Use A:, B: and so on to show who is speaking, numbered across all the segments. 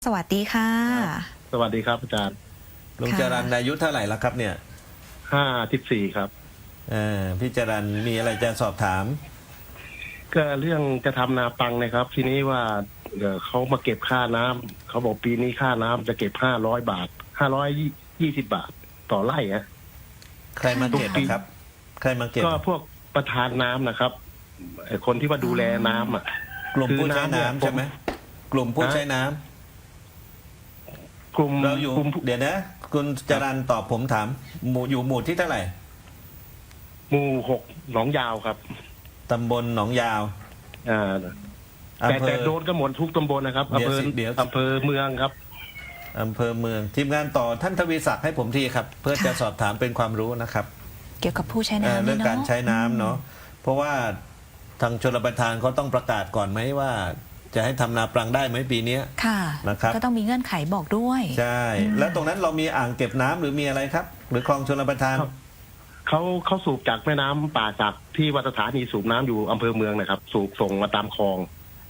A: สวัสดีค่ะ
B: สวัสดีครับอาจารย์
C: ลุงจรัญอายุเท่าไหร่แล้วครับเนี่ย
B: 54ครับ
C: พี่จรัญมีอะไรจะสอบถาม
B: ก็เรื่องจะทำนาปังนะครับทีนี้ว่าเขามาเก็บค่าน้ำเขาบอกปีนี้ค่าน้ำจะเก็บ500 บาท520 บาทต่อไร่ฮะ
C: ใครมาเก็บครับใครมาเก็บ
B: ก็พวกประธานน้ำนะครับคนที่ว่าดูแลน้ำอ่ะ
C: กลุ่มผู้ใช้น้ำใช่ไหมกลุ่มผู้ใช้น้ำ
B: กลุ่ม
C: เราอยู่เดี๋ยวนะคุณจรัญตอบผมถามอยู่หมู่ที่เท่าไหร่
B: หมู่6หนองยาวครับ
C: ตำบลหนองยาว
B: แต่โดนก็หมดทุกตำบลนะครับอำเภอเมืองครับ
C: อำเภอเมืองทีมงานต่อท่านทวีศักดิ์ให้ผมทีครับเพื่อจะสอบถามเป็นความรู้นะครับ
A: เกี่ยวกับผู้ใช้น้ำ
C: เรื่องการใช้น้ำเนาะเพราะว่าทางชลประทานเขาต้องประกาศก่อนไหมว่าจะให้ทำนาปรังได้ไหมปีนี้
A: ค่ะ
C: นะครับ
A: ก็ต้องมีเงื่อนไขบอกด้วย
C: ใช่แล้วตรงนั้นเรามีอ่างเก็บน้ำหรือมีอะไรครับหรือคลองชลประทาน
B: เขาสูบจากแม่น้ำป่าจากที่วัดสถานีสูบน้ำอยู่อำเภอเมืองนะครับสูบส่งมาตามคลอง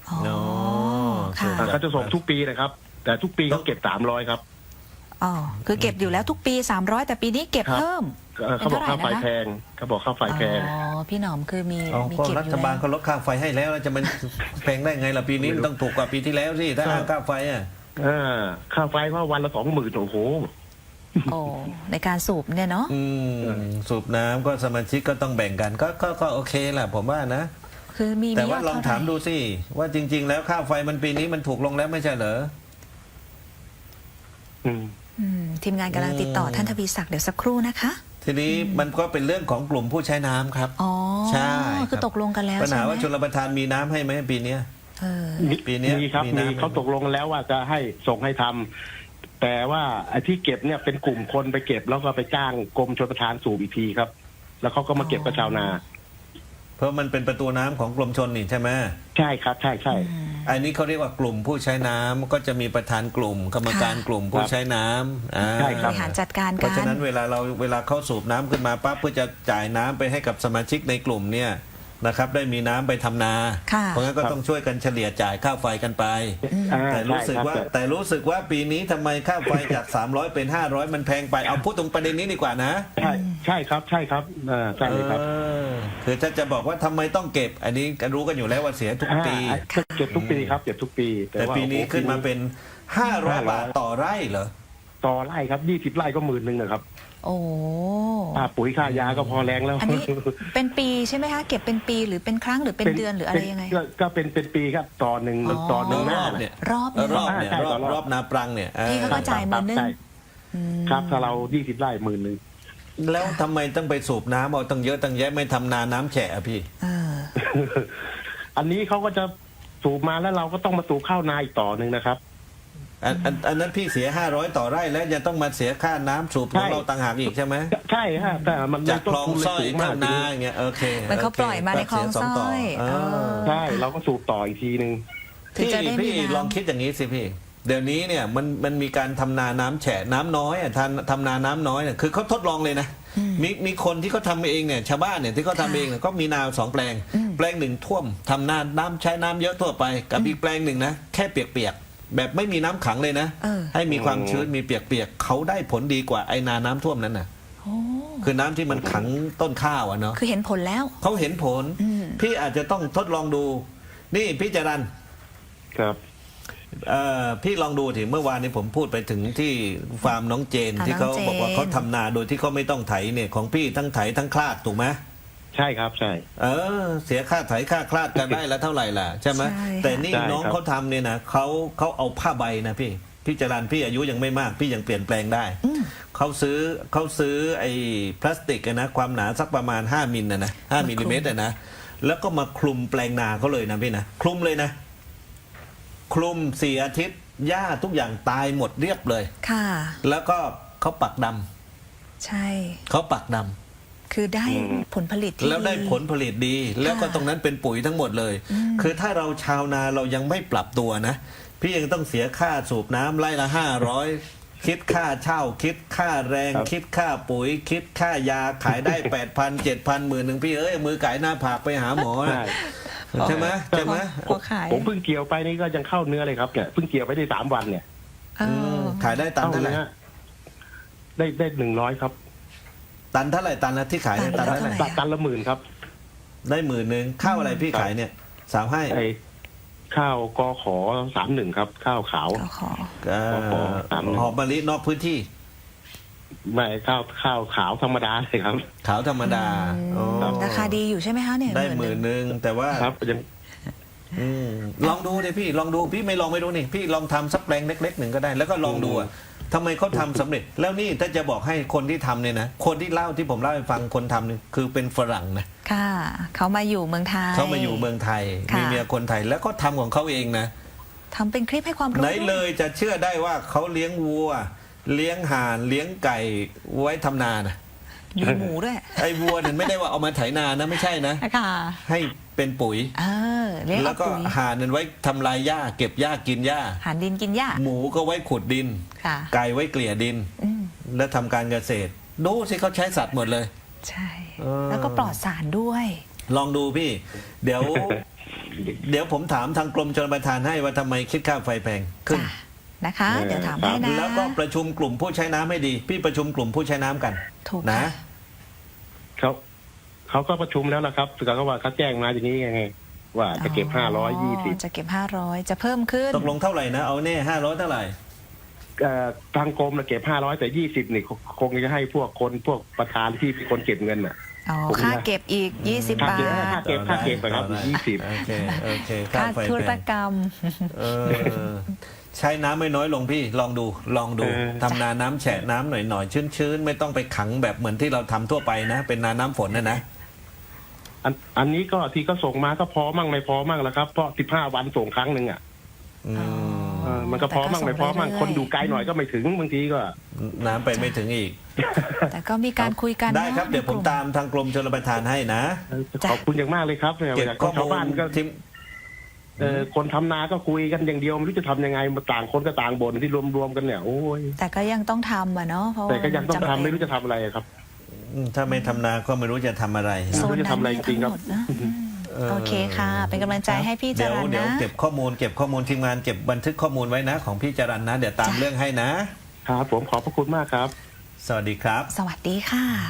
B: เขาจะส่งทุกปีนะครับแต่ทุกปีเขาเก็บ300ครับ
A: อ๋อคือเก็บอยู่แล้วทุกปี300แต่ปีนี้เก็บเพิ่ม
B: เขาบอกค่าไฟแพงเขาบอกค่าไฟแพง
A: อ๋อพี่หนอมคือมี
C: เก็บรัฐบาลเขาลดค่าไฟให้แล้วจะมันแพงได้ไงล่ะปีนี้มันต้องถูกกว่าปีที่แล้วสิถ้าค่าไฟ
B: ค่าไฟเพราะวันละ20,000โอ้โห
A: ในการสูบเนี่ยเนาะ
C: สูบน้ำก็สมาชิกก็ต้องแบ่งกันก็โอเคแหละผมว่านะ
A: คือมี
C: แต่ว่าลองถามดูสิว่าจริงๆแล้วค่าไฟมันปีนี้มันถูกลงแล้วไม่ใช่เหรอ
A: ทีมงานกำลังติดต่อท่านทวีศักดิ์เดี๋ยวสักครู่นะคะ
C: ทีนี้มันก็เป็นเรื่องของกลุ่มผู้ใช้น้ำครับ
A: ใช่คือตกลงกันแล้ว
C: ปัญหาว่าชลประทานมีน้ำให้ไหมปีนี้
B: ปีนี้มีครับมีเขาตกลงแล้วว่าจะให้ส่งให้ทำแต่ว่าไอ้ที่เก็บเนี่ยเป็นกลุ่มคนไปเก็บแล้วก็ไปจ้างกรมชลประทานสูบอีกทีครับแล้วเขาก็มาเก็บกับชาวนา
C: เพราะมันเป็นประตูน้ำของกรมชลนี่ใช่ไหม
B: ใช่ครับใช่
C: อันนี้เขาเรียกว่ากลุ่มผู้ใช้น้ำก็จะมีประธานกลุ่มกรรมการกลุ่มผู้ใช้น้ำ
A: ใช่ครับบริหารจัดการกัน
C: เพราะฉะนั้นเวลาเขาสูบน้ำขึ้นมาปั๊บเพื่อจะจ่ายน้ำไปให้กับสมาชิกในกลุ่มเนี่ยนะครับได้มีน้ำไปทำนาเพราะงั้นก็ต้องช่วยกันเฉลี่ยจ่ายค่าไฟกันไปแต่รู้สึกว่าปีนี้ทำไมค่าไฟจาก300เป็น500มันแพงไปเอาพูดตรงประเด็นนี้ดีกว่านะ
B: ใช่ครับใช่ครับ
C: คือถ้าจะบอกว่าทำไมต้องเก็บอันนี้ก็รู้กันอยู่แล้วว่าเสียทุกปี
B: เก็บทุกปีครับเก็บทุกปี
C: แต่ปีนี้ขึ้นมาเป็น500 บาทต่อไร่เหรอ
B: ต่อไร่ครับ20 ไร่ก็10,000นะครับ
A: โอ้
B: ค่าปุ๋ยค่ายาก็พอแรงแล้ว
A: อันนี้เป็นปีใช่ไหมคะเก็บเป็นปีหรือเป็นครั้งหรือเป็นเดือนหรืออะไรยังไง
B: ก็เป็นปีครับต่อหนึ่งหน้า
C: เนี่ย
A: รอบ
C: นาปรังเนี่ย
A: พี่เขาก็จ่าย10,000
B: ครับถ้าเรา20 ไร่10,000
C: แล้วทำไมต้องไปสูบน้ำเอาตั้งเยอะตั้งแยะไม่ทำนาน้ำแฉะพี่
B: อันนี้เขาก็จะสูบมาแล้วเราก็ต้องมาสูบข้าวนาอีกต่อหนึ่งนะครับ
C: อันนั้นพี่เสีย500ต่อไร่แล้วจะต้องมาเสียค่าน้ำสูบของเราต่างหากอีกใช่ไหม
B: ใช่ฮะแต่มัน
C: จากคลองสร้อยข้านาอย่างเงี้ยโอเค
A: มันเขาปล่อยมาในคลองสร้อย
B: ใช่เราก็สูบต่ออีกทีนึง
C: พี่ลองคิดอย่างนี้สิพี่เดี๋ยวนี้เนี่ยมันมีการทำนาน้ำแฉะน้ำน้อยทำนาน้ำน้อยเนี่ยคือเขาทดลองเลยนะมีคนที่เขาทำเองเนี่ยชาวบ้านเนี่ยที่เขาทำเองเนี่ยก็มีนา2 แปลงแปลงหนึ่งท่วมทำนาน้ำใช้น้ำเยอะทั่วไปกับอีกแปลงหนึ่งนะแค่เปียกแบบไม่มีน้ำขังเลยนะให้มีความชื้นมีเปียกๆเขาได้ผลดีกว่าไอ้นาน้ำท่วมนั้นน่ะคือน้ำที่มันขังต้นข้าวอ่ะเนาะ
A: คือเห็นผลแล้ว
C: เขาเห็นผลพี่อาจจะต้องทดลองดูนี่พี่จรัญ
B: ครับ
C: พี่ลองดูถึงเมื่อวานนี้ผมพูดไปถึงที่ฟาร์มน้องเจนที่เขาบอกว่าเขาทำนาโดยที่เขาไม่ต้องไถเนี่ยของพี่ทั้งไถทั้งคลาดถูกไหม
B: ใช่ครับใช่
C: เสียค่าไถค่าคลาดกันได้แล้วเท่าไหร่ล่ะใช่ไหมแต่นี่น้องเขาทำเนี่ยนะเขาเอาผ้าใบนะพี่จรัญพี่อายุยังไม่มากพี่ยังเปลี่ยนแปลงได้เขาซื้อไอ้พลาสติกนะความหนาสักประมาณ5 มิลนะ5 มิลลิเมตรนะแล้วก็มาคลุมแปลงนาเขาเลยนะพี่นะคลุมเลยนะคลุม4 อาทิตย์หญ้าทุกอย่างตายหมดเรียบเลย
A: ค่ะ
C: แล้วก็เขาปักด
A: ำใช่
C: เขาปักดำ
A: คือได้ผลผลิตที่
C: แล้วได้ผลผลิตดีแล้วก็ตรงนั้นเป็นปุ๋ยทั้งหมดเลยคือถ้าเราชาวนาเรายังไม่ปรับตัวนะพี่ยังต้องเสียค่าสูบน้ำไร่ละ500คิดค่าเช่าคิดค่าแรงคิดค่าปุ๋ยคิดค่ายาขายได้ 8,000 7,000 10,000พี่มือไก่หน้าผากไปหาหมอใช่ไหม
B: ผมเพิ่งเกี่ยวไปนี่ก็ยังเข้าเนื้อเลยครับเนี่ยเพิ่งเกี่ยวไปได้3 วันเนี่ย
A: เออ
C: ขายได้ตันเท่าไหร่
B: นี้ได้100 ครับ
C: ตันเท่าไหร่ตันละที่ขายเนี่ยตันเท่าไหร่
B: ตันละ10,000ครับ
C: ได้10,000ข้าวอะไรพี่ขายเนี่ยสาวให้
B: ไอ้ข้าวกข31ครับ ข้าวขาว
A: ก็ขอ
C: หอมมะลินอกพื้นที่
B: ไม่ข้าวขาวธรรมดาเลยครับ
C: ขาวธรรมดาอ๋อ
A: ราคาดีอยู่ใช่ไหมคะเนี่ย
C: ได้
A: 10,000
C: แต่ว่า
B: ครับยัง
C: ลองดูดิพี่ลองดูพี่ไม่ลองไม่รู้นี่พี่ลองทำสักแปลงเล็กๆหนึ่งก็ได้ แล้วก็ลองดูอะทำไมเขาทำสำเร็จ แล้วนี่ถ้าจะบอกให้คนที่ทำเนี่ยนะคนที่เล่าที่ผมเล่าให้ฟังคนทำเนี่ยคือเป็นฝรั่งนะ
A: ค่ะเขามาอยู่เมืองไทย
C: เขามาอยู่เมืองไทย
A: ค่ะ
C: มีเมียคนไทยแล้วก็ทำของเขาเองนะ
A: ทำเป็นคลิปให้ความรู้
C: ไหนเลยจะเชื่อได้ว่าเขาเลี้ยงวัว เลี้ยงห่านเลี้ยงไก่ไว้ทำนานะ
A: มีหมูด้วย
C: ไอ้วัวเนี่ยไม่ได้ว่าเอามาไถนานะไม่ใช่นะ
A: ค่ะ
C: ให้เป็นปุ๋ย
A: เลี้ยง
C: แล้ว
A: เอา
C: ก็
A: ปุ๋ย
C: ห่านนั้นไว้ทำลายหญ้าเก็บหญ้ากินหญ้า
A: หารดินกินหญ้า
C: หมูก็ไว้ขุดดิน
A: ค่ะ
C: ไก่ไว้เกลี่ยดิน
A: อืม
C: และทำการเกษตรดูสิเขาใช้สัตว์หมดเลย
A: ใช่
C: เออ
A: แล้วก็ปลอดสารด้วย
C: ลองดูพี่ เดี๋ยว เดี๋ยวผมถามทางกรมชลประทานให้ว่าทำไมคิดค่าไฟแพงขึ้น
A: จ้ะนะคะ เดี๋ยวถามให้นะ
C: แล้วก็ประชุมกลุ่มผู้ใช้น้ำให้ดี พี่ประชุมกลุ่มผู้ใช้น้ำกัน
A: ถูก
C: นะ
A: ค่ะ
B: เขาก็ประชุมแล้วนะครับแต่เขาว่าเขาแจ้งมาอย่างนี้ไงว่าจะเก็บ520
A: จะเก็บ500จะเพิ่มขึ้น
C: ตกลงเท่าไหร่นะเอาแน่500เท่าไหร่
B: ทางกรมเก็บ500แต่20นี่คงจะให้พวกประธานที่เป็นคนเก็บเงินน่ะ
A: อ๋อ
B: ผม
A: ค่า
B: นะ
A: เก็บอีก20 บาท
B: ค่าเก็บไปครับ20
C: โอเคโอเค
A: ค่า
C: ไฟ
A: ธุร
C: แพง
A: กรรม
C: เออใช้น้ำไม่น้อยลงพี่ลองดูทำนาน้ำแฉะน้ำหน่อยชื้นๆไม่ต้องไปขังแบบเหมือนที่เราทำทั่วไปนะ เป็นนาน้ำฝนนะ
B: อันนี้ก็ที่ก็ส่งมาก็พอมั่งไม่พอมั่งแล้วครับเพราะ15 วันส่งครั้งหนึ่งอ่ะ
C: อืม
B: มันก็พอมั่งไม่พอมั่ง
A: แต่ก็ส่งเรื่อยๆ
B: คนอยู่ไกลหน่อยก็ไม่ถึงบางทีก็
C: น้ำไปไม่ถึงอีก
A: แต่ก็มีการคุยกัน
C: ได้ครับ
A: นะ
C: เดี๋ยวผมตามทางกรมชลประทานให้นะ
B: ขอบคุณอย่างมากเลยครับ
C: เก็บข้อ
B: ชาว
C: มู
B: บ้าน
C: ล
B: ก็
C: ที่
B: คนทำนาก็คุยกันอย่างเดียวไม่รู้จะทำยังไงมาต่างคนก็ต่างบ่นที่รวมๆกันเนี่ยโอ้ย
A: แต่ก็ยังต้องทำอ่ะเนาะเพราะ
B: แต่ก็ยังต้อง
A: จำเป็น
B: ทำไม่รู้จะทำอะไรครับ
C: ถ้าไม่ทำนาก็ไม่รู้จะทำอะไร
A: โซน
B: ไม่รู้จะ
A: นั้น
B: ทำอะไร
A: เนี่ย
B: จริ
A: ทั้
B: ง
A: ง
B: ๆครับ
A: หมดนะโอเคค่ะ เป็นกำลังใจให้พี่จ
C: เดี๋ยว
A: รัญ
C: เดี๋ยว
A: นะ
C: เก็บข้อมูลทีมงานเก็บบันทึกข้อมูลไว้นะ ของพี่จรันนะ เดี๋ยวตาม
A: จ้ะ
C: เรื่องให้นะ
B: ครับผมขอบพระคุณมากครับ
C: สวัสดีครับ
A: สวัสดีค่ะ